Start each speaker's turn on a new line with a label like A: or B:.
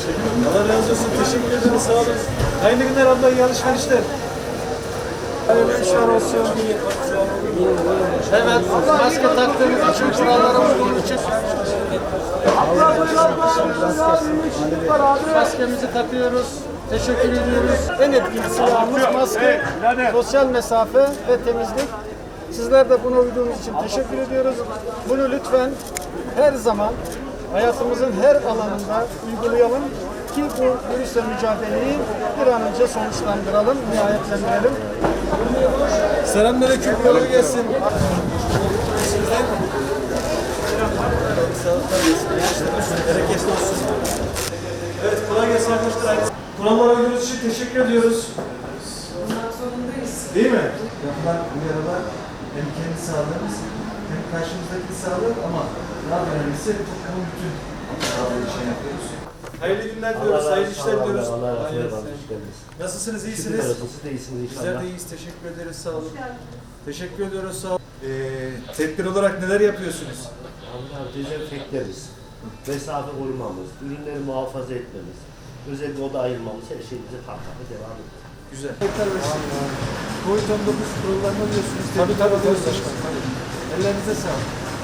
A: Allah razı olsun. Teşekkür ederim. Sağ olun. Hayırlı günler abla. İyi alışverişler. Hayırlı işler olsun. Evet. Maske taktığımız için, kurallara uyduğumuz için maskemizi takıyoruz. Teşekkür ediyoruz. En etkili silahımız maske, sosyal mesafe ve temizlik. Sizler de buna uyduğunuz için teşekkür ediyoruz. Bunu lütfen her zaman hayatımızın her alanında uygulayalım ki bu virüsle mücadeleyi bir an önce sonuçlandıralım, nihayetlendirelim. Selamünaleyküm, kolay gelsin. Bereketli olsun. Evet, kolay gelsin arkadaşlar. Kurallara uyduğunuz için teşekkür ediyoruz.
B: Bundan zorundayız.
A: Değil mi?
C: Yapılan uyarılar hem kendi sağlığımız hem karşımızdaki sağlık ama daha önemlisi toplumun bütün sağlığı için yapıyoruz.
A: Hayırlı günler diliyoruz, hayırlı işler diliyoruz.
D: Allah razı olsun.
A: Nasılsınız,
D: Şükürler
A: iyisiniz?
D: olsun, siz de iyisiniz inşallah.
A: Bizler de iyiyiz, teşekkür ederiz, sağ olun. Teşekkür ediyoruz, sağ olun. Tedbir olarak neler yapıyorsunuz?
D: Allah dezenfekleriz, mesafe korumamız, ürünleri muhafaza etmemiz, özellikle oda ayırmamız, her şey bize farklı devam ediyor.
A: Güzel.
C: Covid-19 kurallarını biliyorsunuz.
A: Tabii diyoruz başkanım.
C: Ellerinize sağlık.